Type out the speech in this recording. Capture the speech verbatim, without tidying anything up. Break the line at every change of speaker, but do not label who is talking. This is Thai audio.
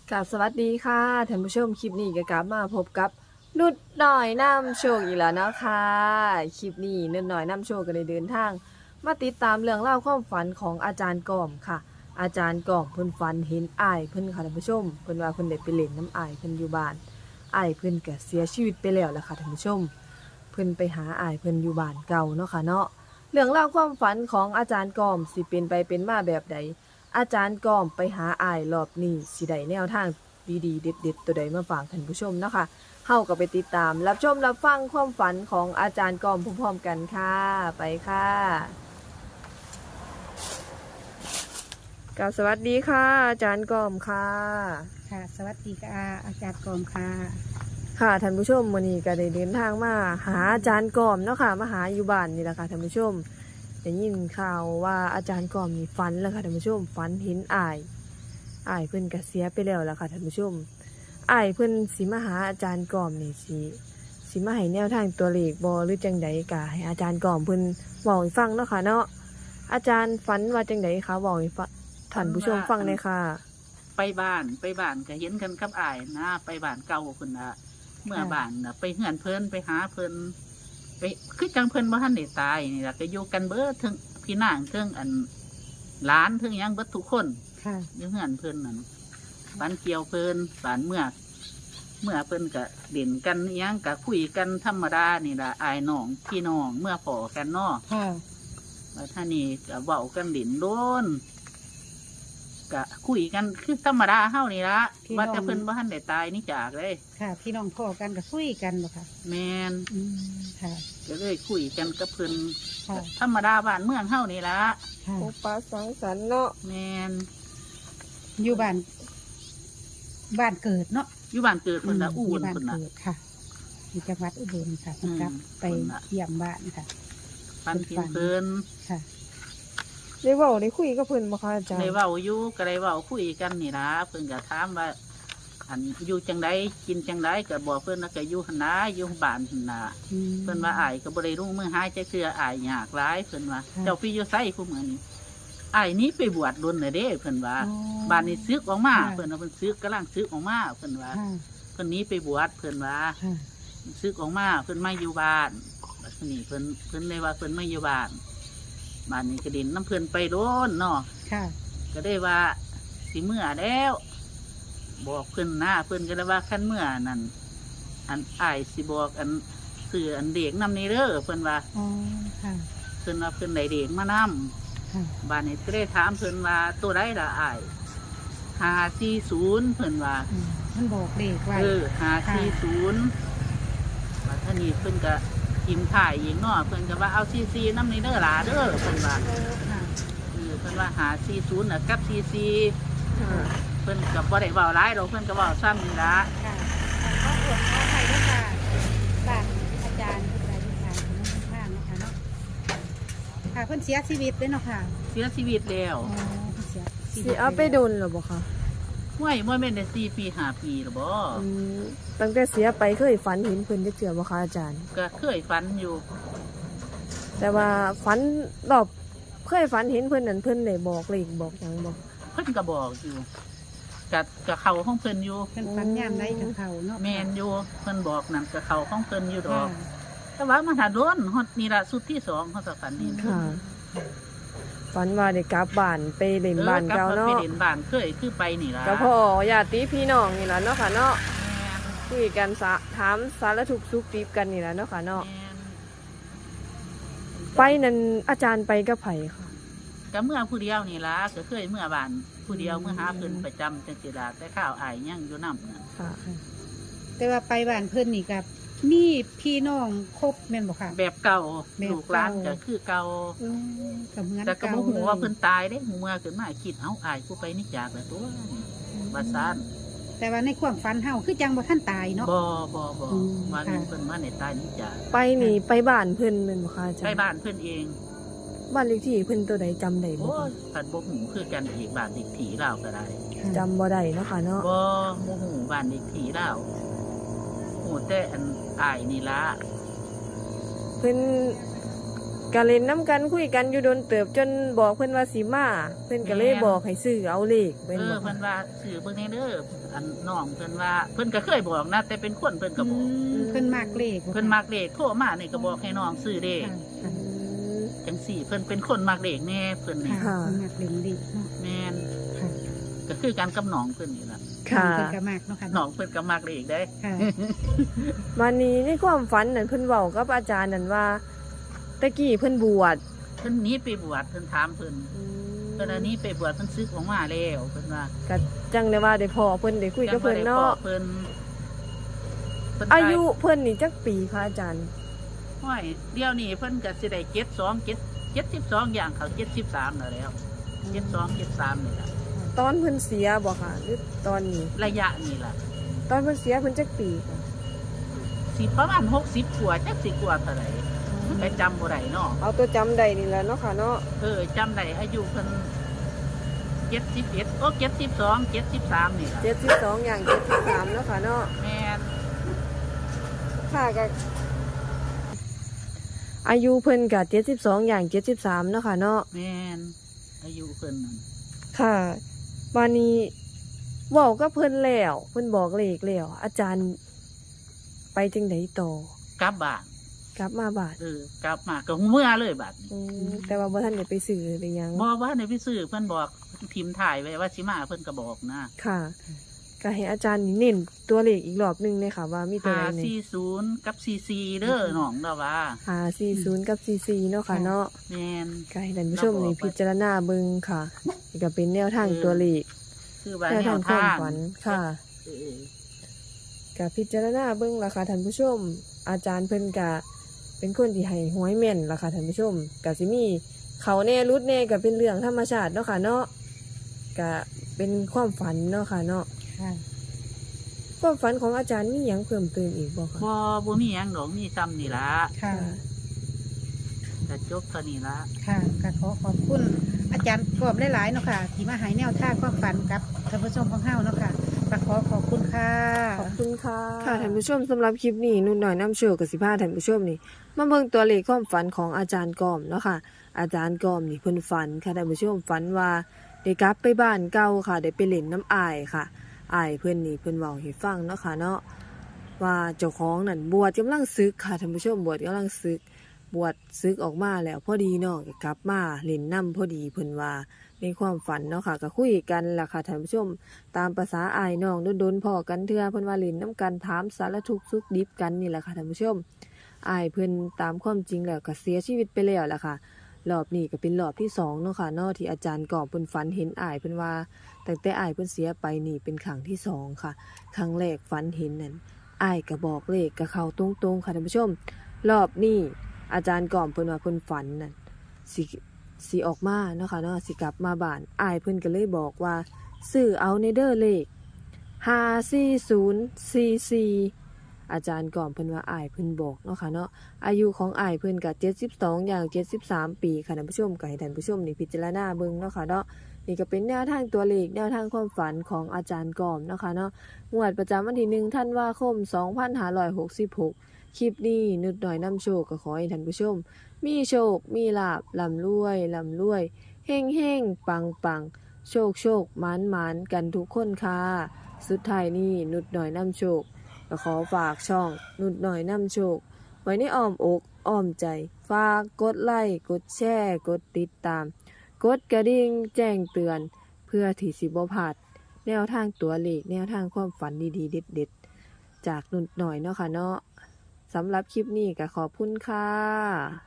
กับสวัสดีค่ะท่านผู้ชมคลิปนี้ก็กลับมาพบกับนุดหน่อยนำโชคอีกแล้วนะคะคลิปนี้นุดหน่อยนำโชคก็ได้เดินทางมาติดตามเรื่องเล่าวความฝันของอาจารย์กอมค่ะ อาจารย์กอมเพิ่นฝันเห็นอ้ายเพิ่นค่ะท่านผู้ชมเพิ่นว่าเพิ่นได้ไปเล่นน้ำอ้ายเพิ่นอยู่บ้านอ้ายเพิ่นก็เสียชีวิตไปแล้วล่ะค่ะท่านผู้ชมเพิ่นไปหาอ้ายเพิ่นอยู่บ้านเก่าเนาะค่ะเนาะเรื่องเล่าวความฝันของอาจารย์กอมสิเป็นไปเป็นมาแบบใด อาจารย์กอมไปหาอ้ายรอบนี้สิได้แนวทางดีๆเด็ดๆตัวใดมาฝากท่านผู้ชมเนาะค่ะเฮาก็ไปติดตามรับชมรับฟังความฝันของอาจารย์กอมพร้อมๆกันค่ะไปค่ะกราบสวัสดีค่ะอาจารย์กอมค่ะ
ค่ะสวัสดีค่ะอาจารย์กรมค่ะ
ค่ะท่านผู้ชมมื้อนี้ก็ได้เดินทางมาหาอาจารย์กอมเนาะค่ะมาหาอยู่บ้านนี่แหละค่ะท่านผู้ชมได้ยินข่าวว่าอาจารย์กอมนี่ฝันแล้วค่ะท่านผู้ชมฝันเห็นอ้ายอ้ายเพิ่นก็เสียไปแล้วล่ะค่ะท่านผู้ชม อ้ายเพิ่นสิมาหาอาจารย์กอมนี่สิสิมาให้แนวทางตัวเลขบ่หรือจังใดก็ให้อาจารย์กอมเพิ่นเว้าให้ฟังเนาะค่ะเนาะอาจารย์ฝันว่าจังใดคะเว้าให้ฟังท่านผู้ชมฟังหน่อยค่ะ
ไปบ้านไปบ้านก็เห็นกันกับอ้ายนะไปบ้านเก่าเพิ่นน่ะเมื่อบ้านน่ะไปเฮือนเพิ่นไปหาเพิ่นไปคือจังเพิ่นบ่ทันได้ตายนี่ล่ะก็อยู่กันเบิดถึงพี่นางถึงอันหลานถึงหยังเบิดทุกคน
ค่ะ
อยู่เฮือนเพิ่นนั่นบ้านเกี่ยวเพิ่นบ้านเมื่อเมื่อเพิ่นก็เด่นกันอิหยังก็คุยกันธรรมดานี่ล่ะอ้ายน้องพี่น้องเมื่อพอกันเนาะ
ค่ะ
แล้วท่านี่ก็เว้ากันเด่นโดนก็คุยกันคือธรรมดาเฮานี่ละว่าแต่เพิ่นบ่ทันได้ตายนี่จากเลย
ค่ะ พี่น้องพ่อกันก็คุยกันบ่ค่ะ
แมน
อืมค่ะ
ก็เลยคุยกันกับเพิ่น
ค่ะ
ธรรมดาบ้านเมืองเฮานี่ละ
ค่ะ
โอปาสังสรรค์เนาะ
แมน
อยู่บ้านบ้านเกิดเนาะ
อยู่บ้านเกิดเพิ่นละอู่
ยู่
น
บ้าน
เพิ่นน่ะ
เกิดค่ะอยู่จังหวัดอุบลค่ะ
อืม
กลับไป
เพิ่นน่ะ
เยี่ยมบ้านค่ะ
ปันทินเพิ่น
ค่ะ
ได้เว้าได้คุยกับเพิ่นบ่คะอาจาร
ได้
ย์
เว้าอยู่ก็ได้เว้าคุยกันนี่ล่ะเพิ่นก็ถามว่า อันอยู่จังไดกินจังไดก็บอกเพิ่นว่าก็อยู่หั่นนะอยู่บ้านหั่นน่ะ
อืม
เพิ่นว่าอ้ายก็บ่ได้รุ่งมือหายใจเคืออ้ายยากหลายเพิ่นว่า
ค่ะ
เจ้าพี่อยู่ไสผู้มื้อนี้อ้ายหนี้ไปบวชรุ่นน่ะเด้เพิ่นว่า
อ๋อ
บ้านนี้ซึกออกมา
ค่ะ
เพิ่นว่าเพิ่นซึกกำลังซึกออกมาเพิ่นว่า
ค่ะ
เพิ่นหนี้ไปบวชเพิ่นว่า
ค่ะ
ซึกออกมาเพิ่นมาอยู่บ้านบัดนี้เพิ่นเพิ่นได้ว่าเพิ่นมาอยู่บ้านบ้านนี้ก็ดินน้ำเพิ่นไปโดนเนาะ
ค่ะ
ก็ได้ว่าสิเมื่อแล้ว บอกเพิ่นหน้าเพิ่นก็เลยว่าคันเมื่อนั่นอันอ้ายสิบอกอันสื่ออันเด็กนำนี่เด้อเพิ่นว่า
อ๋อค่ะ
เพิ่นว่าเพิ่นได้เด็กมานำ
ค่ะ
บ้านนี้ก็ได้ถามเพิ่นว่าตัวใดล่ะอ้ายห้าสี่ศูนย์เพิ่นว่า
อืมมันบอกเลขไว้
เออห้าสี่ศูนย์บัดท่านี้เพิ่นก็กิมถ่ายอีกเนาะเพิ่นก็ว่าเอาซีซีน้ำนี่เด้อหลาเด้อเพิ่นว่า
ค่ะ
เออเพิ่นว่าหาสี่ศูนย์น่ะกับซีซี
ค่ะ
เพิ่นก็บ่ได้เว้าหลายดอกเพิ่นก็เว้าซ้ำนี่ล่ะ
ค่ะขออวดขอไทยด้วยค่ะบ้านอาจารย์ผู้ใดที่ทางคุณน้องข้างนะคะเนาะค่ะเพิ่นเสียชีวิตเลยเนาะค่ะ
เสียชีวิตแล้ว
อ๋อเพิ่นเสียชีวิต
สิเอาไปโดนหรอบ่คะ
ห้วยบ่แม่นได้สี่ปีห้าปีหรอบ่
อืมตั้งแต่เสียไปเคยฝันเห็นเพิ่นจักเทื่อบ่คะอาจารย์
ก็เคยฝันอยู่
แต่ว่าฝันรอบเคยฝันเห็นเพิ่นนั่นเพิ่นได้บอกเลขบอกหยังบ่
เพิ่นก็บอกอยู่กับกับเขาของเพิ่นอยู่
เพิ่นฝันยามใดกับเขาเนาะ
แม่นอยู่เพิ่นบอกนั่นกับเขาของเพิ่นอยู่ดอ
ค่ะ
ก แต่ว่ามันหาโดนฮอดนี่ล่ะสุดที่สองเขาก็ฝันนี่
ค่ะฝันว่าได้กลับบ้านไปเล่นบ้านเก่า
ออกลับ
เนาะ
ไปเล่นบ้านเคยคือไปนี่ล่ะ
ก็พ่อญาติพี่น้องนี่ล่ะเนาะค่ะเนาะ
แม่น
คุยกันสะถามสารทุกข์สุขดิบกันนี่ล่ะเนาะค่ะเนาะ
แม่น
ไปนั่นอาจารย์ไปกับไผค่ะ
ก็เมื่อผู้เดียวนี่ล่ะก็เคยเมื่อบ้านผู้เดียวเมื่อหาเพิ่นประจำจังซี่ล่ะแต่ข้าวอายยังอยู่นำน่ะ
ค่ะ
แต่ว่าไปบ้านเพิ่นนี่กับมีพี่น้องครบแม่นบ่ค่ะ
แบบเก่า
แบบเก่า
ลูกหลานก็คือเก่า
อืมก็เหมือน
แต่ก็
เก่า
บ่ฮู้ว่าเพิ่น
ลย
ตายเด้หูเมื่อขึ้นมาคิดเอ้าอายผู้ไปนี่จากแล้วตัวว่าซ่าน
แต่ว่าในความฝันเฮาคือจังบ่ทันตายเนาะ
บ่บ่บ่
อืม
ว่า
ค่ะ
เพิ่นมาในตายนี่จาก
ไปนี่ไปบ้านเพิ่นแม่นบ่คะอาจารย์
ไปบ้านเพิ่นเอง
บ้านเลขที่เพิ่นตัวใดจำได้บ่
โอ้
คะ
ยพันบ่ฮู้คือกันอีกบ้านเด็กผีเราก็ได้
ค่ะ
จำบ่ได้เนาะค่ะเนาะ
บ่บ่ฮู้บ้านเด็กผีเราฮู้แต่อันอายนี่ล่ะ
เพิ่นก็เล่นน้ำกันคุยกันอยู่โดนเติบจนบอกเพิ่นว่าสิมาเพิ่นก็เลยบอกให้ซื้อเอาเลข
เอ
เพิ่น
อบ
อก
เพิ่นว่าสื่อเบิ่งแน่เด้ออันน้องเพิ่นว่าเพิ่นก็เคยบอกนะแต่เป็นคนเพิ่นก็บอก
อืมเพิ่นมากเลข
เพิ่นมักเลขโทรมานี่ก็บอกให้น้องซื้อเลข
ค่ะ
อืม
จังสี่เพิ่นเป็นคนมักเลขแน่เพิ่นนี่
ค่ะเพิ่นมากเลขเลขเนาะ
แม่น
ค่ะ
ก็คือการกับน้องเพิ่นนี่ล่ะ
ค่ะ
เพิ่นก็มากเนาะค่ะ
น้องเพิ่นก็มักเลขได้
ค่ะ
วันนี้ในความฝันนั่นเพิ่นเว้ากับอาจารย์นั่นว่าตะกี้เพิ่นบวช
เพิ่นหนี้ไปบวชเพิ่นถามเพิ่นเพิ่นอันนี้ไปบวชเพิ่นซึกออกมาแล้วเพิ่นว่า
ก็จังได้ว่าได้พอเพิ่นได้คุยกับเพิ่นเนาะ
จังบ่ได้พ้อเพิ่นเพิ่น
อายุเพิ่นนี่จักปีคะอาจารย์
ห้อยเดี๋ยวนี้เพิ่นก็สิได้เจ็ดสอง เจ็ด เจ็ดสิบสองอย่างเขาเจ็ดสิบสามแล้วแล้วเจ็ดสอง เจ็ดสามนี่ล่ะ
ตอนเพิ่นเสียบ่ค่ะหรือตอนนี้
ระยะนี่ล่ะ
ตอนเพิ่นเสียเพิ่นจักปีค่ะ
สิประมาณหกสิบกว่าจักสิกว่าเท่าไหร่ไปจำบ่ได้เนาะ
เอาตัวจำได้นี่แหละเนาะค่ะเนาะ
เออจำได้อายุเพิ่นเจ็ดสิบเอ็ดโอ้เจ็ดสิบสองเจ็ดสิบสามนี่ล่ะ
เจ็ดสิบสองอย่างเจ็ดสิบสามเนาะค่ะเนาะ
แม่น
ค่ะก็อายุเพิ่นก็เจ็ดสิบสองอย่างเจ็ดสิบสามเนาะค่ะเนาะ
แม่นอายุเพิ่นนั่น
ค่ะวันนี้เว้ากับเพิ่นแล้วเพิ่นบอกเลขแล้วอาจารย์ไปจังไดต่อก
ลับบ้าน
กลับมาบาด
เออกลับมาก็เมื่อเลยบัดนี้
อืมแต่ว่าบ่ทันได้ไปซื้อหรือยัง
บอกว่าในพี่ซื้อเพิ่นบอกทีมถ่ายไว้ว่าสิมาเพิ่นก็บอกนะ
ค่ะก็ให้อาจารย์นี่เน้นตัวเลขอีกรอบหนึงเลยค่ะ ว่ามีตัว
ห้า
ใดเนี่ย
สี่ศูนย์กับสี่สี่เด้อน้องเด้อว่า
หาสี่ศูนย์กับสี่สี่เนาะค่ะเนาะ
แม่น
ก็ให้ท่านผู้ชมนี่
เราบอกไป
พิจารณาเบิ่งค่ะนี่ก็เป็นแนวทาง
เออ
ตัวเลข
คือว่า
แนว
แน
ทาง
ว
ความ
ทาง
ฝันค่ะ
เออ
ก็พิจารณาเบิ่งล่ะค่ะท่านผู้ชม อาจารย์เพิ่นก็เป็นคนที่ให้หวยแม่นล่ะค่ะท่านผู้ชมก็สิมีเขาแน่รุดแน่ก็เป็นเรื่องธรรมชาติเนาะค่ะเนาะก็เป็นความฝันเนาะค่ะเนาะ
ค่ะ
ความฝันของอาจารย์มีหยังเพิ่มเติมอีกบ่คะ
บ่บ่มีหยังดอกมีซ้ำนี่ล่ะ
ค่ะ
ก็จบเท่านี้ล่ะ
ค่ะก็ขอขอบคุณอาจารย์กรอบหลายๆเนาะค่ะ ที่มาให้แนวทางความฝันกับท่านผู้ชมของเฮาเนาะค่ะก็ขอขอบคุณค่ะ
ขอบคุณค่ะค่ะท่านผู้ชมสำหรับคลิปนี้นุ่นหน่อยน้ำโชคกับสิพาท่านผู้ชมนี่มาเบิ่งตัวเลขความฝันของอาจารย์กอมเนาะค่ะ อาจารย์กอมนี่เพิ่นฝันค่ะท่านผู้ชมฝันว่าได้กลับไปบ้านเก่าค่ะได้ไปเล่นน้ำอายค่ะอายเพิ่นนี่เพิ่นเว้าให้ฟังเนาะค่ะเนาะว่าเจ้าของนั่นบวชกำลังศึกค่ะท่านผู้ชมบวชกำลังศึกบวชศึกออกมาแล้วพอดีเนาะก็กลับมาเล่นน้ำพอดีเพิ่นว่าในความฝันเนาะค่ะก็คุยกันล่ะค่ะท่านผู้ชม ตามภาษาอายน้องโดนๆพอกันเทื่อเพิ่นว่าเล่นน้ำกันถามสารทุกข์สุขดิบกันนี่แหละค่ะท่านผู้ชมอายเพิ่นตามความจริงแล้วก็เสียชีวิตไปแล้วล่ะค่ะรอบนี้ก็เป็นรอบที่สองเนาะค่ะเนาะที่อาจารย์กอบเพิ่นฝันเห็นอายเพิ่นว่าตั้งแต่อายเพิ่นเสียไปนี่เป็นครั้งที่สองค่ะครั้งแรกฝันเห็นนั่นอายก็บอกเลขก็เข้าตรงๆค่ะท่านผู้ชม รอบนี้อาจารย์กอบเพิ่นว่าเพิ่นฝันนั่นสิสิออกมาเนาะค่ะเนาะสิกลับมาบ้านอายเพิ่นก็เลยบอกว่า ซื้อเอาในเด้อเลขห้าสี่ศูนย์สี่สี่อาจารย์ก่อมเพิ่นว่าอ้ายเพิ่นบอกเนาะค่ะเนาะอายุของอ้ายเพิ่นก็เจ็ดสิบสองอย่างเจ็ดสิบสามปีค่ะท่านผู้ชมก็ให้ท่านผู้ชมนี่พิจารณาเบิ่งเนาะค่ะเนาะนี่ก็เป็นแนวทางตัวเลขแนวทางความฝันของอาจารย์ก่อมเนาะค่ะเนาะงวดประจำวันที่หนึ่งธันวาคมสองพันห้าร้อยหกสิบหกคลิปนี้นุดหน่อยนำโชคก็ขอให้ท่านผู้ชม มีโชคมีลาภร่ำรวยร่ำรวยเฮงเฮงปังปัง โชคโชคหมานหมานกันทุกคนค่ะ สุดท้ายนี้นุดหน่อยนำโชคก็ขอฝากช่องนุดหน่อยนำโชค ไว้ในอ้อมอกอ้อมใจ ฝากกดไลค์กดแชร์กดติดตาม กดกระดิ่งแจ้งเตือน เพื่อที่สิบ่พลาดแนวทางตัวเลขแนวทางความฝันดีๆเด็ดๆ จากนุดหน่อยเนาะค่ะเนาะสำหรับคลิปนี้ก็ขอบคุณค่ะ